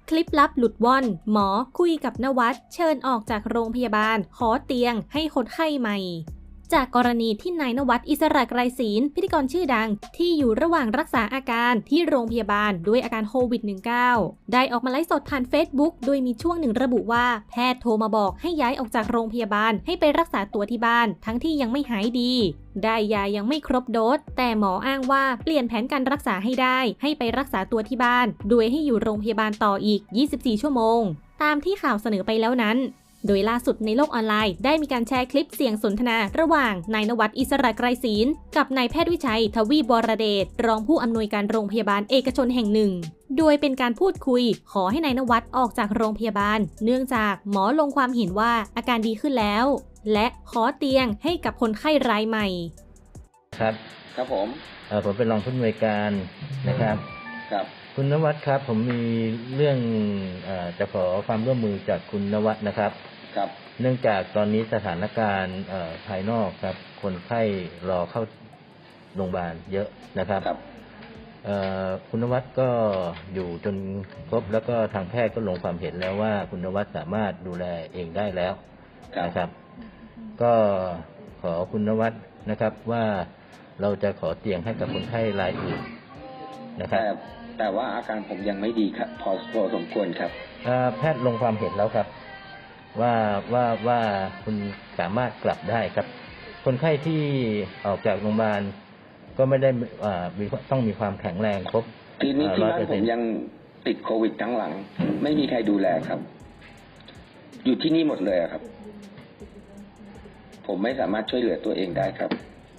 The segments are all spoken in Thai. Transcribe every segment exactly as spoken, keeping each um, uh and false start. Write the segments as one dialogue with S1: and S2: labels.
S1: คลิปลับหลุดว่อนหมอคุยกับนวัดเชิญออกจากโรงพยาบาลขอเตียงให้คนไข้ใหม่จากกรณีที่นายนวัดอิสระไกรศีลพิธีกรชื่อดังที่อยู่ระหว่างรักษาอาการที่โรงพยาบาลด้วยอาการโควิด สิบเก้า ได้ออกมาไลฟ์สดผ่าน Facebook โดยมีช่วงหนึ่งระบุว่าแพทย์โทรมาบอกให้ย้ายออกจากโรงพยาบาลให้ไปรักษาตัวที่บ้านทั้งที่ยังไม่หายดีได้ยายังไม่ครบโดสแต่หมออ้างว่าเปลี่ยนแผนการรักษาให้ได้ให้ไปรักษาตัวที่บ้านโดยให้อยู่โรงพยาบาลต่ออีกยี่สิบสี่ชั่วโมงตามที่ข่าวเสนอไปแล้วนั้นโดยล่าสุดในโลกออนไลน์ได้มีการแชร์คลิปเสียงสนทนาระหว่างนายนวัดอิสระไกรศีลกับนายแพทย์วิชัยทวีบวรเดชรองผู้อำนวยการโรงพยาบาลเอกชนแห่งหนึ่งโดยเป็นการพูดคุยขอให้นายนวัดออกจากโรงพยาบาลเนื่องจากหมอลงความเห็นว่าอาการดีขึ้นแล้วและขอเตียงให้กับคนไข้รายใหม่
S2: ครับ
S3: ครับผม
S2: เออผมเป็นรองผู้อำนวยการนะครับ
S3: ครับ
S2: คุณนวัดครับผมมีเรื่องเอ่อจะขอความร่วมมือจากคุณนวัดนะครับ
S3: ครับ
S2: เนื่องจากตอนนี้สถานการณ์เอ่อภายนอกครับคนไข้รอเข้าโรงพยาบาลเยอะนะครับ
S3: ครับ
S2: เอ่อคุณนวัดก็อยู่จนครบแล้วก็ทางแพทย์ก็ลงความเห็นแล้วว่าคุณนวัดสามารถดูแลเองได้แล้วนะครับก็ขอคุณนวัดนะครับว่าเราจะขอเตียงให้กับคนไข้รายอื่นนะครับ
S3: แต่แต่ว่าอาการผมยังไม่ดีครับพอพอสมควรครับ
S2: แพทย์ลงความเห็นแล้วครับว่าว่าว่าคุณสามารถกลับได้ครับคนไข้ที่ออกจากโรงพยาบาลก็ไม่ได้มีต้องมีความแข็งแรงครบ
S3: ทีนี้ที่บ้านผมยังติดโควิดทั้งหลังไม่มีใครดูแลครับอยู่ที่นี่หมดเลยครับผมไม่สามารถช่วยเหลือตัวเองได้ครับ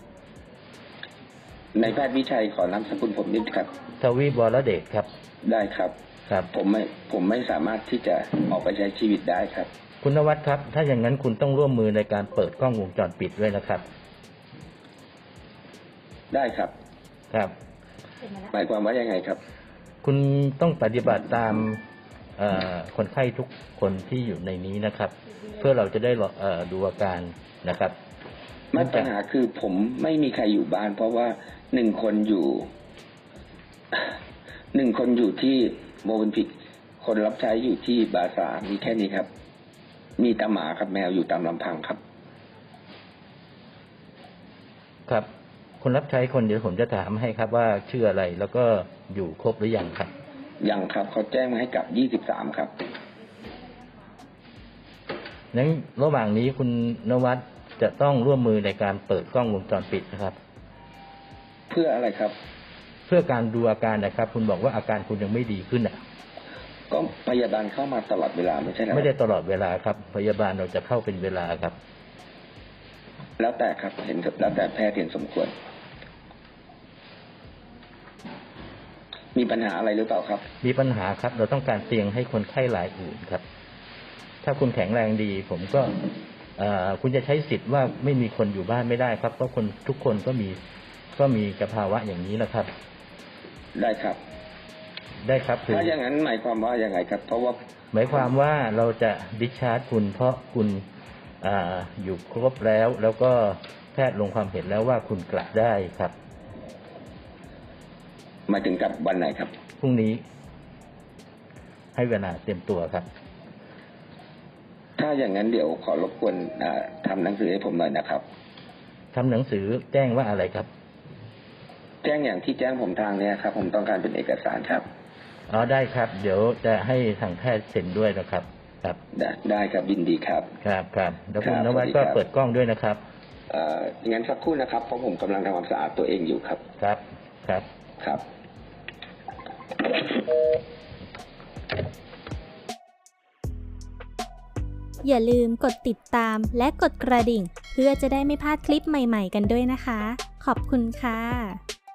S3: ในแพทย์วิชัยขอนามสกุลผมนิดครับ
S2: ทวีบวรเดชครับ
S3: ได้ครับ
S2: ครับ
S3: ผมไม่ผมไม่สามารถที่จะออกไปใช้ชีวิตได้ครับ
S2: คุณนวัดครับถ้าอย่างนั้นคุณต้องร่วมมือในการเปิดกล้องวงจรปิดด้วยนะครับ
S3: ได้ครับ
S2: ครับ
S3: หมายความว่ายังไงครับ
S2: คุณต้องปฏิบัติตามคนไข้ทุกคนที่อยู่ในนี้นะครับเพื่อเราจะได้ดูอาการนะครับ
S3: ปัญหาคือผมไม่มีใครอยู่บ้านเพราะว่าหนึ่งคนอยู่หนึ่งคนอยู่ที่โมบินพิกคนรับใช้อยู่ที่บาซามีแค่นี้ครับมีตาหมาครับแมวอยู่ตามลำพังครับ
S2: ครับคนรับใช้คนเดียวผมจะถามให้ครับว่าชื่ออะไรแล้วก็อยู่ครบหรือยังครับ
S3: ยังครับเขาแจ้งมาให้กลับยี่สิบสามครับ
S2: นั้นระหว่างนี้คุณนวัดจะต้องร่วมมือในการเปิดกล้องวงจรปิดนะครับ
S3: เพื่ออะไรครับ
S2: เพื่อการดูอาการนะครับคุณบอกว่าอาการคุณยังไม่ดีขึ้นอ่ะ
S3: ก็พยาบาลเข้ามาตลอดเวลาไม่ใช่หรอ
S2: ไม่ได้ตลอดเวลาครับพยาบาลเราจะเข้าเป็นเวลาครับ
S3: แล้วแต่ครับเห็นแล้วแต่แพทย์เห็นสมควรมีปัญหาอะไรหรือเปล่าครับ
S2: มีปัญหาครับเราต้องการเตียงให้คนไข้รายอื่นครับถ้าคุณแข็งแรงดีผมก็คุณจะใช้สิทธิ์ว่าไม่มีคนอยู่บ้านไม่ได้ครับเพราะคนทุกคนก็มีก็มีสภาวะอย่างนี้นะครับ
S3: ได้ครับ
S2: ได้ครับ
S3: ถ้าอย่างนั้นหมายความว่ายังไงครับเพราะว่า
S2: หมายความว่าเราจะดิสชาร์จคุณเพราะคุณอ่าอยู่ครบแล้วแล้วก็แพทย์ลงความเห็นแล้วว่าคุณกลับได้ครับ
S3: หมายถึงกลับวันไหนครับ
S2: พรุ่งนี้ให้เวลาเตรียมตัวครับ
S3: ถ้าอย่างนั้นเดี๋ยวขอรบกวนทำหนังสือให้ผมหน่อยนะครับ
S2: ทำหนังสือแจ้งว่าอะไรครับ
S3: แจ้งอย่างที่แจ้งผมทางนี้ครับผมต้องการเป็นเอกสารครับ
S2: อ๋อได้ครับเดี๋ยวจะให้ทางแพทย์เซ็นด้วยนะครับครับ
S3: ได้ได้ครับยินดีครับ
S2: ครับครับแล้วคุณนวัดก็เปิดกล้องด้วยนะครับ
S3: เอ่องั้นสักครู่นะครับเพราะผมกำลังทำความสะอาดตัวเองอยู่ครับ
S2: ครับครับ
S3: ครับ
S1: อย่าลืมกดติดตามและกดกระดิ่งเพื่อจะได้ไม่พลาดคลิปใหม่ๆกันด้วยนะคะขอบคุณค่ะ